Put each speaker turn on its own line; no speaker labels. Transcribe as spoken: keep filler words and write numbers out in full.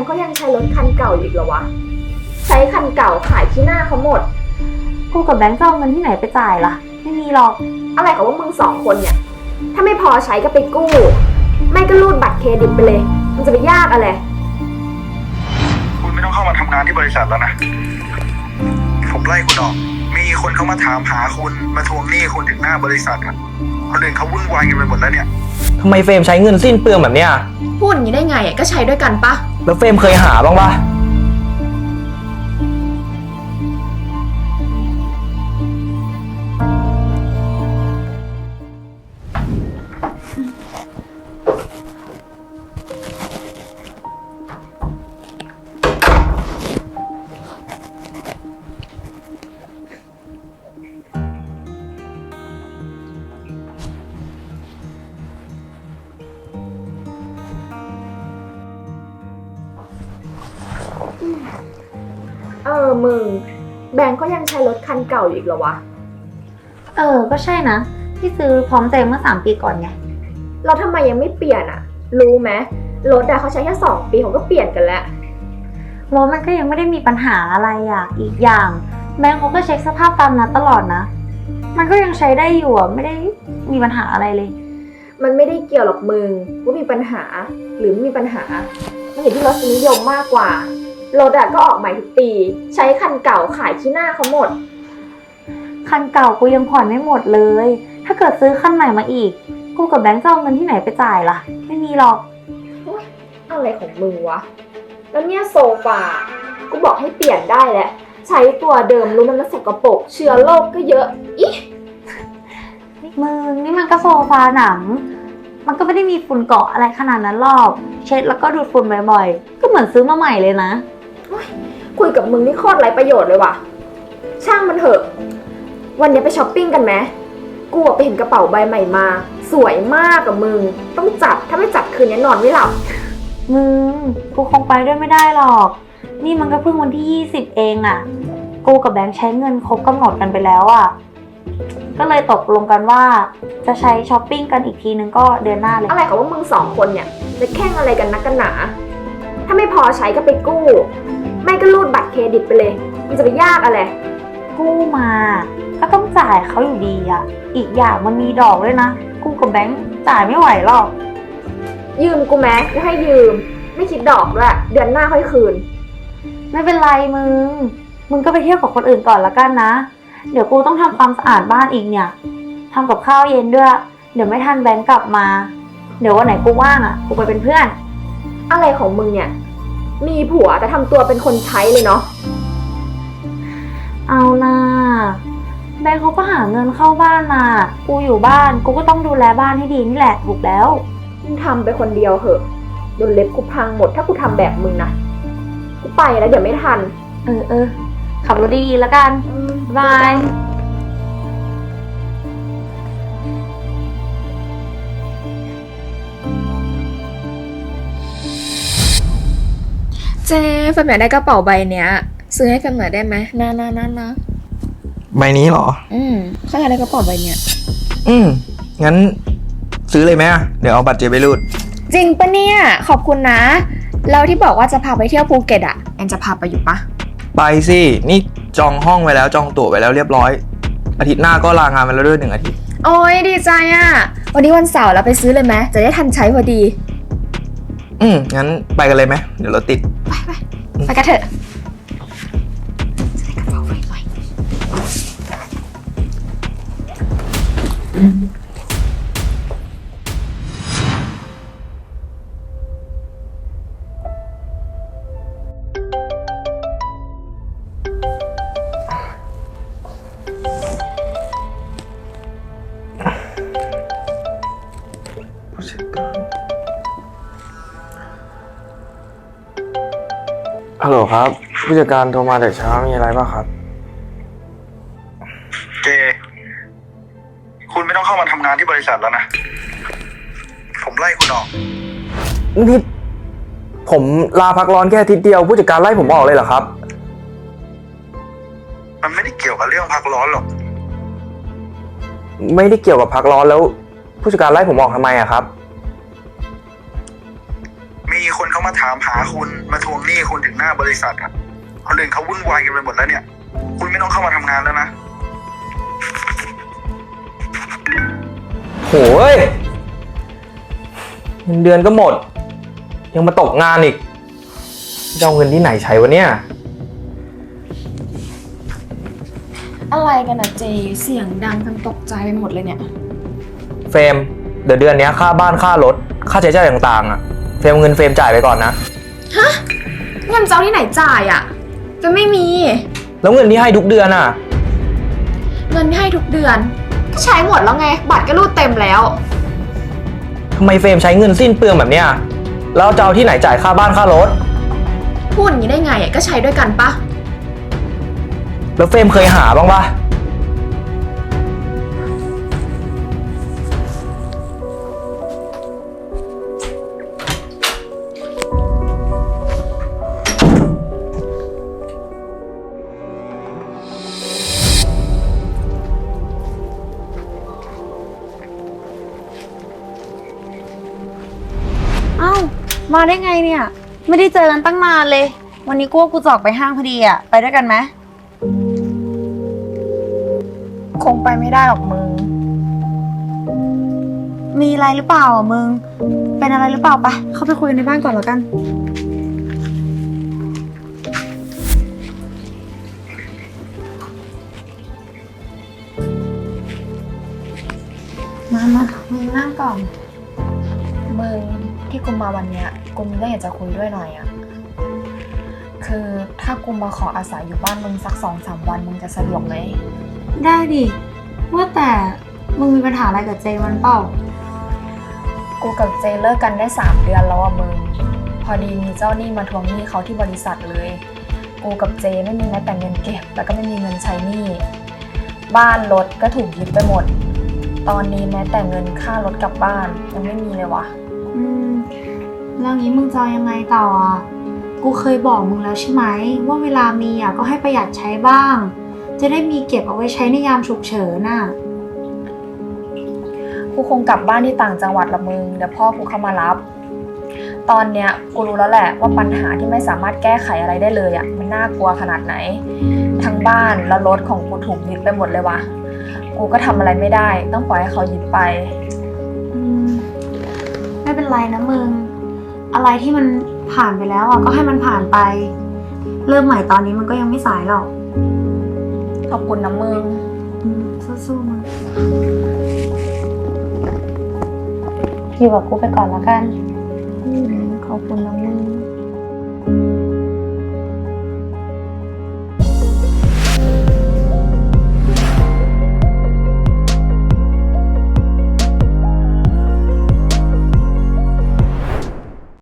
เขายังใช้รถคันเก่าอีกเหรอวะใช้คันเก่าขายที่หน้าเขาหมด
กูกับแบงค์จะเอาเงินที่ไหนไปจ่ายล่ะไม่มีหรอก
อะไรของว่ามึงสองคนเนี่ยถ้าไม่พอใช้ก็ไปกู้ไม่ก็รูดบัตรเครดิตไปเลยมันจะไปยากอะไร
คุณไม่ต้องเข้ามาทำงานที่บริษัทแล้วนะผมไล่คุณออกมีคนเข้ามาถามหาคุณมาทวงหนี้คุณถึงหน้าบริษัทอ่ะคนอื่นเขาวุ่นวายกันไปหมดแล้วเนี่ย
ทำไมเฟรมใช้เงินสิ้นเปลืองแบบเนี้ย
พูดอย่างนี้ได้ไงก็ใช้ด้วยกันปะ
แล้วเฟรมเคยหาบ้างปะ
เออมึงแบงก์ก็ยังใช้รถคันเก่าอีกเหรอวะ
เออก็ใช่นะที่ซื้อพร้อมใจเมื่อสามปีก่อนไง
เราทำไมยังไม่เปลี่ยนอะรู้ไหมรถอะเขาใช้แค่สองปีเขาก็เปลี่ยนกันแล้ว
รถมันก็ยังไม่ได้มีปัญหาอะไรอ่ะอีกอย่างแบงก์เขาก็เช็คสภาพตามนัดตลอดนะมันก็ยังใช้ได้อยู่อ่ะไม่ได้มีปัญหาอะไรเลย
มันไม่ได้เกี่ยวหรอกมึงว่ามีปัญหาหรือไม่มีปัญหามันอยู่ที่รสนิยมมากกว่ารถอะก็ออกใหม่ทุกปีใช้คันเก่าขายที่หน้าเขาหมด
คันเก่ากูยังผ่อนไม่หมดเลยถ้าเกิดซื้อคันใหม่มาอีกกูกับแบงค์จะเอาเงินที่ไหนไปจ่ายล่ะไม่มีหรอก
อะไรของมึงวะแล้วเนี่ยโซฟากูบอกให้เปลี่ยนได้แหละใช้ตัวเดิมรู้มันแล้วสกปรกเชื้อโรคก็เยอะอิ
มึงนี่มันก็โซฟาหนังมันก็ไม่ได้มีฝุ่นเกาะอะไรขนาดนั้นหรอกเช็ดแล้วก็ดูดฝุ่นบ่อยๆก็เหมือนซื้อมาใหม่เลยนะ
คุยกับมึงนี่โคตรไร้ประโยชน์เลยว่ะช่างมันเถอะวันนี้ไปช้อปปิ้งกันไหมกูไปเห็นกระเป๋าใบใหม่มาสวยมากกับมึงต้องจัดถ้าไม่จัดคืนนี้นอนไม่หลับ
มึงกูคงไปด้วยไม่ได้หรอกนี่มันก็เพิ่งวันที่ยี่สิบเองอะกูกับแบงค์ใช้เงินครบกำหนดกันไปแล้วอะก็เลยตกลงกันว่าจะใช้ช้อปปิ้งกันอีกทีนึงก็เดือนหน้าเลย
อะไรของว่ามึงสองคนเนี่ยจะแข่งอะไรกันนักกันหนาถ้าไม่พอใช้ก็ไปกู้ไม่ก็รูดบัตรเครดิตไปเลยมันจะไปยากอะไร
กู้มาก็ต้องจ่ายเขาอยู่ดีอะอีกอย่างมันมีดอกด้วยนะกูกับแบงค์จ่ายไม่ไหวหรอก
ยืมกูแม้กูให้ยืมไม่คิดดอกด้วยเดือนหน้าค่อยคืน
ไม่เป็นไรมึงมึงก็ไปเที่ยวกับคนอื่นก่อนละกันนะเดี๋ยวกูต้องทำความสะอาดบ้านอีกเนี่ยทำกับข้าวเย็นด้วยเดี๋ยวไม่ทันแบงค์กลับมาเดี๋ยววันไหนกูว่างอ่ะกูไปเป็นเพื่อน
อะไรของมึงเนี่ยมีผัวแต่ทำตัวเป็นคนใช้เลยเนาะ
เอานะแบงค์เขาก็หาเงินเข้าบ้านมากูอยู่บ้านกูก็ต้องดูแลบ้านให้ดีนี่แหละถูกแล้ว
มึงทำไปคนเดียวเหอะโดนเล็บกูพังหมดถ้ากูทำแบบมึงนะกูไปแล้วเดี๋ยวไม่ทัน
เออเออขับรถดีๆแล้วกันบาย
เจ๊แฟนอยากได้กระเป๋าใบเนี้ยซื้อให้แฟนหน่อยได้ไหมน่าน่าน่านะ
ใบนี้เหรอ
อืมเขาอยากได้กระเป๋าใบเนี้ย
อืมงั้นซื้อเลยไหมเดี๋ยวเอาบัตรเจไปรูด
จริงปะเนี่ยขอบคุณนะแล้วที่บอกว่าจะพาไปเที่ยวภูเก็ตอ่ะแอนจะพาไปอยู่ปะ
ไปสินี่จองห้องไว้แล้วจองตั๋วไว้แล้วเรียบร้อยอาทิตย์หน้าก็ลางานมาแล้วด้วยหนึ่งอาทิตย์
โอ้ยดีใจอ่ะวันนี้วันเสาร์เราไปซื้อเลยไหมจะได้ทันใช้พอดี
อืมงั้นไปกันเลยไหมเดี๋ยวรถติด
ไปไปไปกันเถอะจะได้กระเป๋าไวๆ
ฮัลโหลครับผู้จัดการโทรมาแต่เช้ามีอะไรบ้างครับ
เจคุณไม่ต้องเข้ามาทำงานที่บริษัทแล้วนะผมไล่คุณออก
นี่ผมลาพักร้อนแค่อาทิตย์เดียวผู้จัดการไล่ผมออกเลยเหรอครับ
มันไม่ได้เกี่ยวกับเรื่องพักร้อนหรอก
ไม่ได้เกี่ยวกับพักร้อนแล้วผู้จัดการไล่ผมออกทำไมอะครับ
มีมีคนเขามาถามหาคุณมาทวงหนี้คุณถึงหน้าบริษัทอะคนอื่นเขาวุ่นวายกันไปหมดแล้วเนี่ย คุณไม่ต้องเข้ามาทำงานแล้วนะ
โหยเงินเดือนก็หมด ยังมาตกงานอีกจะเอาเงินที่ไหนใช้วะเนี่ย
อะไรกันอะเจ เสียงดังจนตกใจไปหมดเลยเนี่ย
เฟรมเดี๋ยวเดือนนี้ค่าบ้านค่ารถค่าใช้จ่ายต่างๆอ่ะเฟรมเอาเงินเฟรมจ่ายไปก่อนนะ
ฮะ เงินเจ้าที่ไหนจ่ายอะจะไม่มี
แล้วเงินที่ให้ทุกเดือนอ่ะ
เงินที่ให้ทุกเดือน ก็ใช้หมดแล้วไง บัตรก็รูดเต็มแล้ว
ทำไมเฟรมใช้เงินสิ้นเปลืองแบบเนี้ยแล้วจะเอาที่ไหนจ่ายค่าบ้านค่ารถ
พูดอย่างนี้ได้ไงอะก็ใช้ด้วยกันปะ
แล้วเฟรมเคยหาบ้างปะ
เอ้า มาได้ไงเนี่ย ไม่ได้เจอกันตั้งนานเลย วันนี้กูว่ากูจะออกไปห้างพอดีอ่ะ ไปด้วยกันไหม
คงไปไม่ได้หรอกมึง
มีอะไรหรือเปล่าอ่ะมึง เป็นอะไรหรือเปล่าปะเข้าไปคุยกันในบ้านก่อนแล้วกัน มามามึงนั่งก่อน
มึงที่กูมาวันเนี้ยกูมีเรื่องอยากจะคุยด้วยหน่อยอะคือถ้ากูมาขออาศัยอยู่บ้านมึงสักสองสามวันมึงจะสะดวกไหม
ได้ดิ ว่าแต่มึงมีปัญหาอะไรกับเจมันเปล่า
กูกับเจเลิกกันได้สามเดือนแล้วอะมึง พอดีมีเจ้าหนี้มาทวงหนี้เขาที่บริษัทเลย กูกับเจไม่มีแม้แต่เงินเก็บแล้วก็ไม่มีเงินใช้หนี้ บ้านรถก็ถูกยึดไปหมด ตอนนี้แม้แต่เงินค่ารถกลับบ้านยังไม่มีเลยวะ
อืมแล้วงี้มึงจะเอายังไงต่ออ่ะ กูเคยบอกมึงแล้วใช่ไหมว่าเวลามีอ่ะก็ให้ประหยัดใช้บ้าง จะได้มีเก็บเอาไว้ใช้ในยามฉุกเฉินน่ะ
กูคงกลับบ้านที่ต่างจังหวัดละมึงเดี๋ยวพ่อกูเข้ามารับ ตอนเนี้ยกูรู้แล้วแหละว่าปัญหาที่ไม่สามารถแก้ไขอะไรได้เลยอ่ะมันน่ากลัวขนาดไหน ทั้งบ้านและรถของกูถูกยึดไปหมดเลยวะกูก็ทำอะไรไม่ได้ต้องปล่อยให้เขายึดไป
อืมไม่เป็นไรนะมึง อะไรที่มันผ่านไปแล้วอ่ะก็ให้มันผ่านไป เริ่มใหม่ตอนนี้มันก็ยังไม่สายหรอก
ขอบคุณนะมึง
อืมสู้ๆมึงอยู่กับกูไปก่อนแล้วกัน
ขอบคุณนะมึง